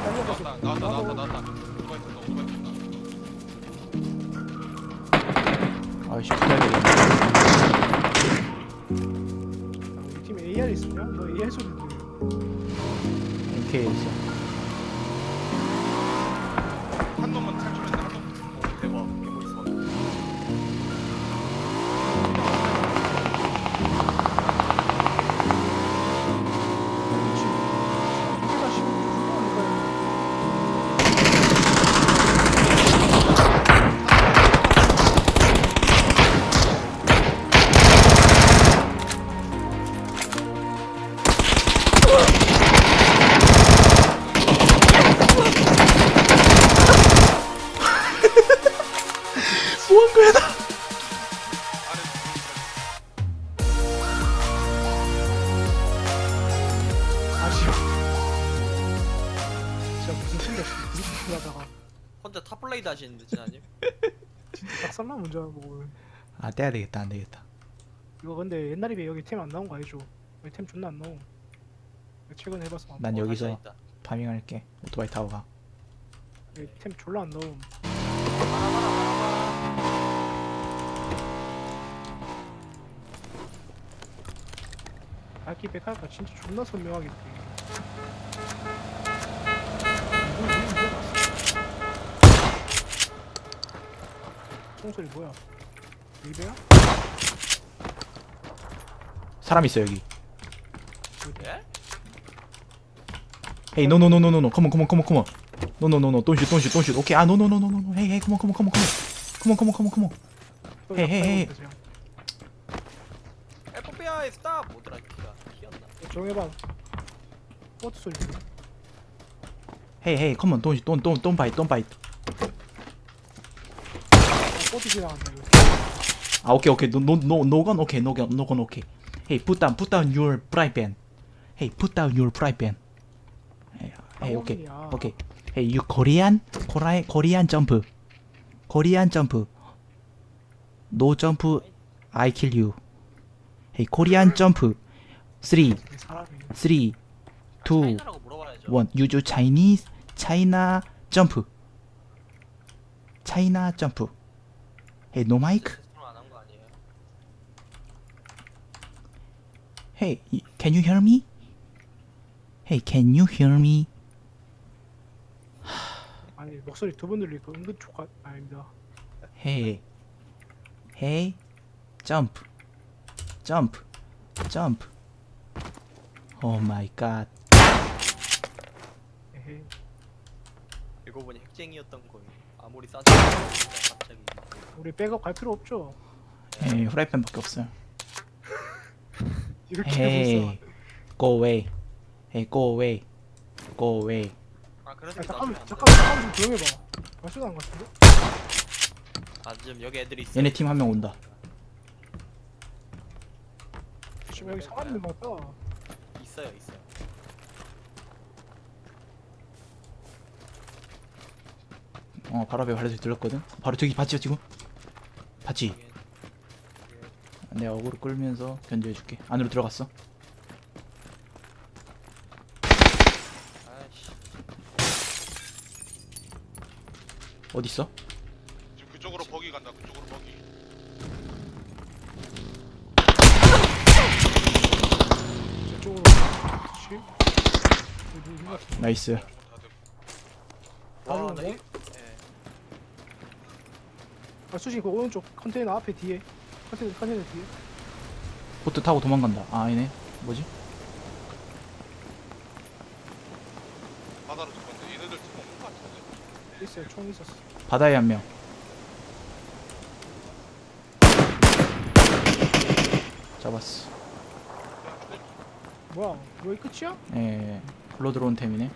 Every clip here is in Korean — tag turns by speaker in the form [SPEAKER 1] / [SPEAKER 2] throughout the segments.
[SPEAKER 1] 달려가서
[SPEAKER 2] 나왔다. 오토바이 쏜다.
[SPEAKER 3] 아이씨 붙어야겠네.
[SPEAKER 1] 우리 팀에 AR 있으냐? 너 AR 소리 들려.
[SPEAKER 3] MK 있어.
[SPEAKER 2] 한 놈만 탈출했는데 한 놈. 오 대박. 이게 뭐 있어?
[SPEAKER 1] 내가 지금 훌륭하니까
[SPEAKER 3] 뭐한 거야 나?
[SPEAKER 1] 아쉬워. 진짜 무슨 생각 이렇게 하다가
[SPEAKER 4] 혼자 탑블레이드 하시는데 진아님?
[SPEAKER 1] 진짜 박살나 문제 보고.
[SPEAKER 3] 아 떼야 되겠다. 안 되겠다.
[SPEAKER 1] 이거 근데 옛날에 비해 여기 템 안 나온 거 알죠? 여기 템 존나 안 나오. 최근에 해봐서
[SPEAKER 3] 난 여기서
[SPEAKER 4] 있다.
[SPEAKER 3] 파밍할게. 오토바이 타고 가.
[SPEAKER 1] 여기 템 졸라 안 나옴. 알기 백할까 진짜 존나 선명하겠지. 총소리 뭐야? 리베야?
[SPEAKER 3] 사람 있어 여기.
[SPEAKER 4] 예?
[SPEAKER 3] Hey, no, no, no, no, no, no. Come on, come on, come on, come on. No, no, no, no. Don't shoot, don't shoot, don't shoot. Okay. Ah, no, no, no, no, no, no. Hey, hey, come on, come on, come on, come on. Come on, come on, come on, come on. 헤이, 헤이, 헤이.
[SPEAKER 4] FBI 스탑! 뭐더라 키가 키였나?
[SPEAKER 1] 정해봐. 버트 소리.
[SPEAKER 3] Hey, hey, come on. Don't bite, don't bite.
[SPEAKER 1] 버트 지나간다 이거.
[SPEAKER 3] Ah, okay, okay. No gun. Okay, no gun, no gun. Okay. Hey, put down your fry pan. Hey, put down your fry pan. Hey, okay, okay. Hey, you Korean jump. Korean jump. No jump. I kill you. Hey, Korean jump. 3,
[SPEAKER 1] 사람이
[SPEAKER 3] 3, 2,
[SPEAKER 4] 차이나라고 물어봐야죠.
[SPEAKER 3] 1. You do Chinese. China jump. China jump. Hey, no mic.
[SPEAKER 4] 안한 거 아니에요?
[SPEAKER 3] Hey, can you hear me? Hey, can you hear me?
[SPEAKER 1] 아니 목소리 두 번 들리니까 은근 촉각 아닙니다.
[SPEAKER 3] Hey, hey, jump, jump, jump. Oh my god.
[SPEAKER 1] 에헤이.
[SPEAKER 4] 알고 보니 핵쟁이였던 거예요. 아무리 싸도 갑자기
[SPEAKER 1] 우리 백업 갈 필요 없죠.
[SPEAKER 3] Hey, 후라이팬밖에 없어요.
[SPEAKER 1] 이렇게
[SPEAKER 3] Hey,
[SPEAKER 1] 해서
[SPEAKER 3] go away. Hey, go away. Go away.
[SPEAKER 4] 아 그래서
[SPEAKER 1] 잠깐만 좀 조용해봐. 말수도 안 같은데?
[SPEAKER 4] 아 지금 여기 애들이 있어.
[SPEAKER 3] 얘네 팀 한 명 온다.
[SPEAKER 1] 지금 여기 사람 있는 것 같다.
[SPEAKER 4] 있어요.
[SPEAKER 3] 바로 앞에 발레 소리 들렸거든. 바로 저기 봤지 지금? 봤지? 내가 어그로 끌면서 견제해줄게. 안으로 들어갔어.
[SPEAKER 4] 아이씨.
[SPEAKER 3] 어디 있어?
[SPEAKER 2] 지금 그쪽으로 버기 간다. 그쪽으로 버기.
[SPEAKER 1] 저쪽으로. 그렇지? 여기 있는 것 같은데?
[SPEAKER 3] 나이스.
[SPEAKER 4] 와,
[SPEAKER 1] 바로
[SPEAKER 4] 나
[SPEAKER 1] 온다?
[SPEAKER 4] 이- 예.
[SPEAKER 1] 아 수진 그 오른쪽 컨테이너 앞에 뒤에. 컨테이너 뒤에.
[SPEAKER 3] 보트 타고 도망간다. 아 아니네. 뭐지?
[SPEAKER 2] 바다로 죽었는데 얘네들 팀 없는 것 같은데.
[SPEAKER 1] 있어요. 총 있었어.
[SPEAKER 3] 바다에 한 명. 잡았어.
[SPEAKER 1] 뭐야? 여기 끝이야?
[SPEAKER 3] 예. 불러 들어온 템이네.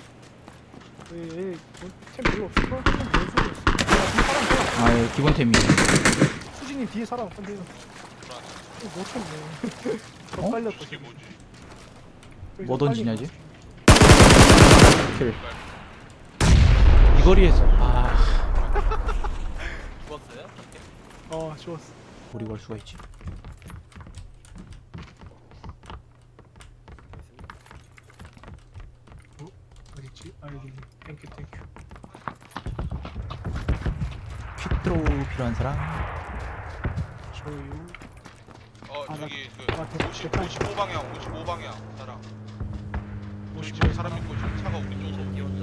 [SPEAKER 1] 왜 템 별로 없을 걸? 한명 뭔 소리였어? 뒤에 사람 뭐야?
[SPEAKER 3] 아, 예, 기본 템이.
[SPEAKER 1] 수진님 뒤에 사람 컨테이너.
[SPEAKER 2] 불안해.
[SPEAKER 1] 못 참네. 더
[SPEAKER 3] 어?
[SPEAKER 1] 빨렸다.
[SPEAKER 2] 이게 뭐지?
[SPEAKER 3] 뭐 던지냐지? 킬. 이 거리에서. 아,
[SPEAKER 4] 죽었어요?
[SPEAKER 1] 좋았어.
[SPEAKER 3] 우리 걸 수가 있지.
[SPEAKER 1] 어딨지? 있지? 아 여기 있네. 땡큐 땡큐.
[SPEAKER 3] 퀵드로우 필요한 사람?
[SPEAKER 1] 저요. 아,
[SPEAKER 2] 저기 그
[SPEAKER 1] 아,
[SPEAKER 2] 55방향 55방향 사람. 우리
[SPEAKER 1] 55
[SPEAKER 2] 집에 사람 있고 지금 차가 우리 쪽으로
[SPEAKER 4] 이 혼자.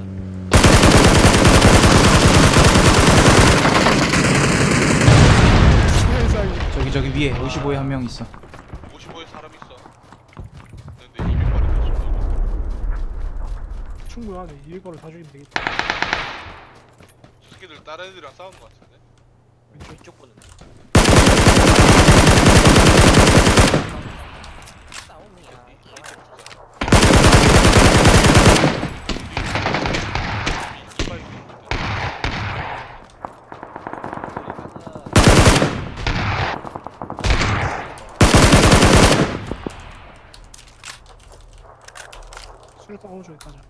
[SPEAKER 1] 세상에.
[SPEAKER 3] 저기 위에 55에 한 명 있어.
[SPEAKER 2] 55에 사람 있어. 근데 200발이 다 쏘고.
[SPEAKER 1] 충분하네. 200발을 다 죽이면 되겠다.
[SPEAKER 2] 저 새끼들 다른 애들이랑 싸우는 것 같은데.
[SPEAKER 1] 왼쪽.
[SPEAKER 4] 이쪽 보는. 싸움이야.
[SPEAKER 2] 이빨
[SPEAKER 1] 수류탄 어느 쪽에 가자.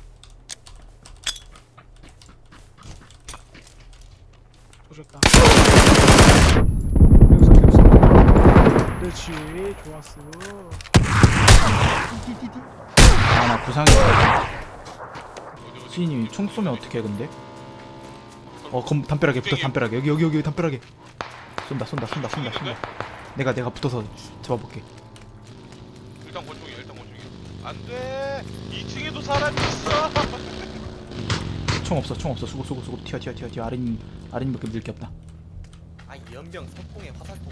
[SPEAKER 1] 조졌다. 여기서. 그렇지. 좋았어. 띠띠띠띠.
[SPEAKER 3] 아 나 구상이 수인이 총 쏘면 어떻게 해 근데? 담벼락에 붙어 담벼락에 여기 담벼락에 쏜다. 내가 붙어서 잡아볼게.
[SPEAKER 2] 일단 권총이야. 안돼. 2층에도 사람 있어.
[SPEAKER 3] 총 없어 수고 튀어 아린이밖에 밀 게 없다.
[SPEAKER 4] 아 연병 석궁에 화살통.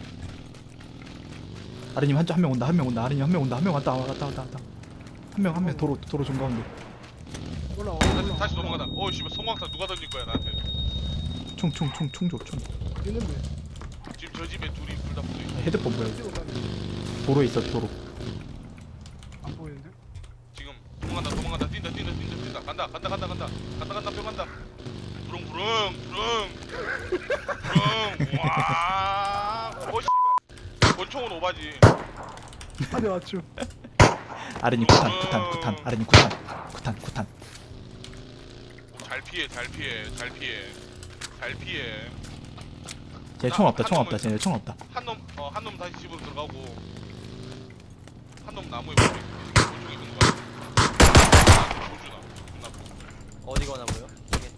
[SPEAKER 3] 아린님 한 명 온다 아린님 한 명 왔다 한 명 도로 중가운데
[SPEAKER 1] 올라와.
[SPEAKER 2] 다시 넘어가다. 씨발 성광탄 누가 던질 거야 나한테.
[SPEAKER 3] 총 줘.
[SPEAKER 1] 있는데.
[SPEAKER 2] 지금 저 집에 둘이 둘 다 붙어 있어.
[SPEAKER 3] 헤드폰 뭐야
[SPEAKER 1] 어디로 가냐?
[SPEAKER 3] 도로에 있어 도로.
[SPEAKER 1] 안 보이는데?
[SPEAKER 2] 지금 도망간다. 뛴다. 간다. 뿅 간다. 부릉. 와. 씨발. 권총은 오바지.
[SPEAKER 1] 네 맞죠.
[SPEAKER 3] 아린이 구탄 아린이 구탄
[SPEAKER 2] 잘 피해.
[SPEAKER 3] 쟤 총 없다 쟤네 총 없다.
[SPEAKER 2] 한 놈 다시 집으로 들어가고 한 놈 나무에 붙어 있어. 권총이 있는 거야. 조주나. 존나 아프다.
[SPEAKER 4] 어디 거나고요? 이게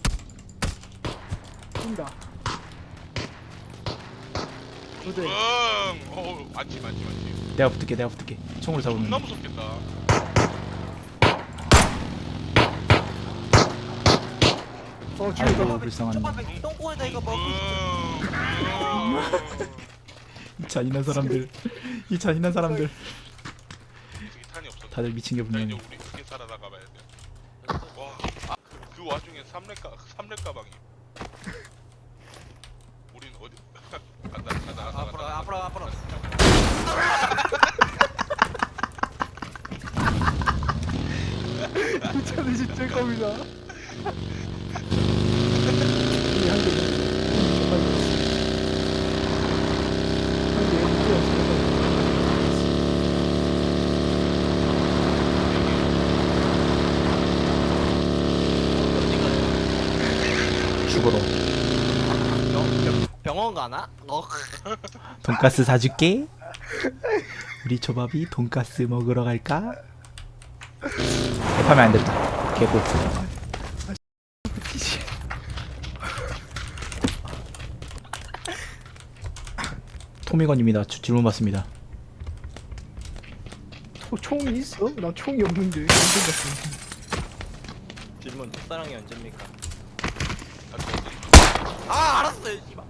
[SPEAKER 1] 뛴다. 두 대.
[SPEAKER 2] 많지.
[SPEAKER 3] 내가 붙을게 총으로 잡으면
[SPEAKER 2] 존나 무섭겠다.
[SPEAKER 1] 죽였다.
[SPEAKER 3] 아이고 불쌍한
[SPEAKER 4] 똥꼬에다 이거 먹고
[SPEAKER 3] 이 잔인한 사람들
[SPEAKER 2] 저기 탄이 없어.
[SPEAKER 3] 다들 미친 게
[SPEAKER 2] 자
[SPEAKER 3] 분명해.
[SPEAKER 2] 이제 우리 크게 살아나가봐야 돼. 와, 그 와중에 삼렙 가방이. 우린 어디? 간다.
[SPEAKER 4] 앞으로.
[SPEAKER 1] 차는 진짜 겁니다.
[SPEAKER 3] 죽어라.
[SPEAKER 4] 병원 가나?
[SPEAKER 3] 돈가스 사줄게. 우리 초밥이 돈가스 먹으러 갈까? 대파면 안 됐다. 개꿀. 토미건입니다. 질문 받습니다.
[SPEAKER 1] 총이 있어? 나 총이 없는데. 언제 봤어?
[SPEAKER 4] 질문 첫사랑이 언제입니까?
[SPEAKER 2] 아,
[SPEAKER 4] 아 알았어요 씨발.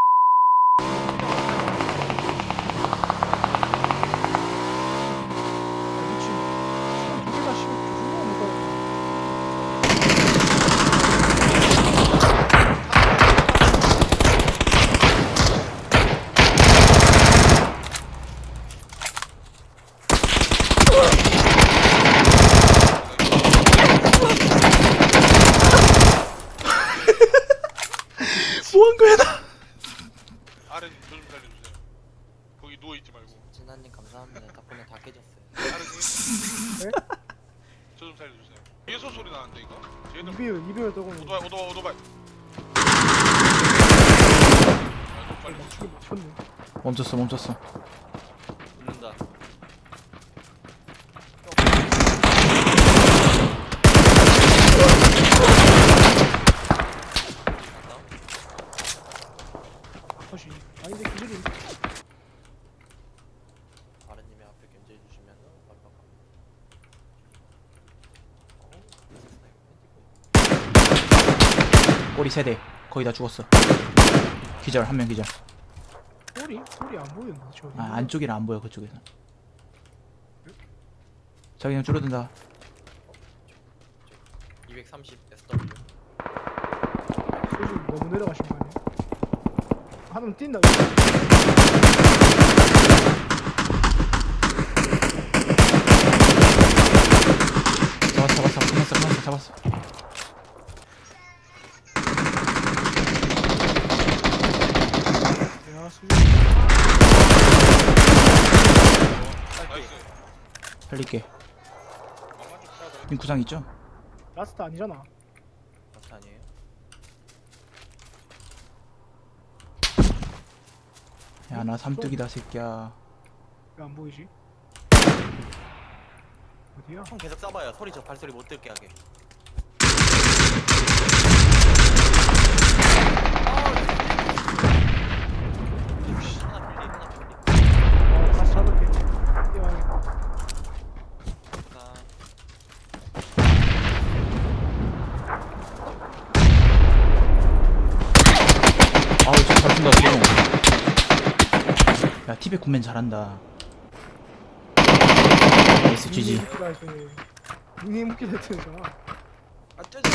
[SPEAKER 1] 미친. 두개다 씹어. 조준아 누가?
[SPEAKER 3] 뭐한 거야 나?
[SPEAKER 2] 아르님 저좀 살려주세요. 거기 누워 있지 말고.
[SPEAKER 4] 진아님 감사합니다. 덕분에 다 깨졌어요.
[SPEAKER 1] 네?
[SPEAKER 2] 저좀 살려주세요. 예소 소리 나는데 이거? 쟤는
[SPEAKER 1] 이별 떠고
[SPEAKER 2] 오토바이. 좀 빨리.
[SPEAKER 1] 맞추기 맞췄네.
[SPEAKER 3] 멈췄어.
[SPEAKER 4] 붙는다.
[SPEAKER 3] 꼬리 세대 거의 다 죽었어. 기절 한 명 기절.
[SPEAKER 1] 소리 안 보이는데 저.
[SPEAKER 3] 아 안쪽이라 안 보여 그쪽에서. 자기는 줄어든다.
[SPEAKER 4] 230 SW.
[SPEAKER 1] 소리 너무 내려가신 거 아니야? 하면 뛴다.
[SPEAKER 3] 잡았어.
[SPEAKER 1] 야 수준.
[SPEAKER 2] 나이스.
[SPEAKER 3] 살릴게.
[SPEAKER 2] 망가지 풀어야
[SPEAKER 3] 님 구상 있죠?
[SPEAKER 1] 라스트 아니잖아.
[SPEAKER 4] 맞지 아니에요?
[SPEAKER 3] 야 나 삼뚝이다 새끼야.
[SPEAKER 1] 왜 안 보이지? 어디야?
[SPEAKER 4] 형 계속 쏴봐요. 소리 저 발소리 못 들게 하게. 하나 필리, 하나 필리.
[SPEAKER 1] 다시 잡을게. 뛰어야겠다.
[SPEAKER 4] 자,
[SPEAKER 3] 아우 저잘 쏜다 쏘. 야 티백 군맨 잘한다. 나이스 GG.
[SPEAKER 1] 닉네임 웃기다 했잖아.
[SPEAKER 4] 아 떼져.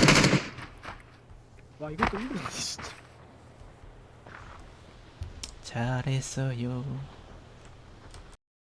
[SPEAKER 1] 와 이것도 힘들네 진짜.
[SPEAKER 3] 잘했어요.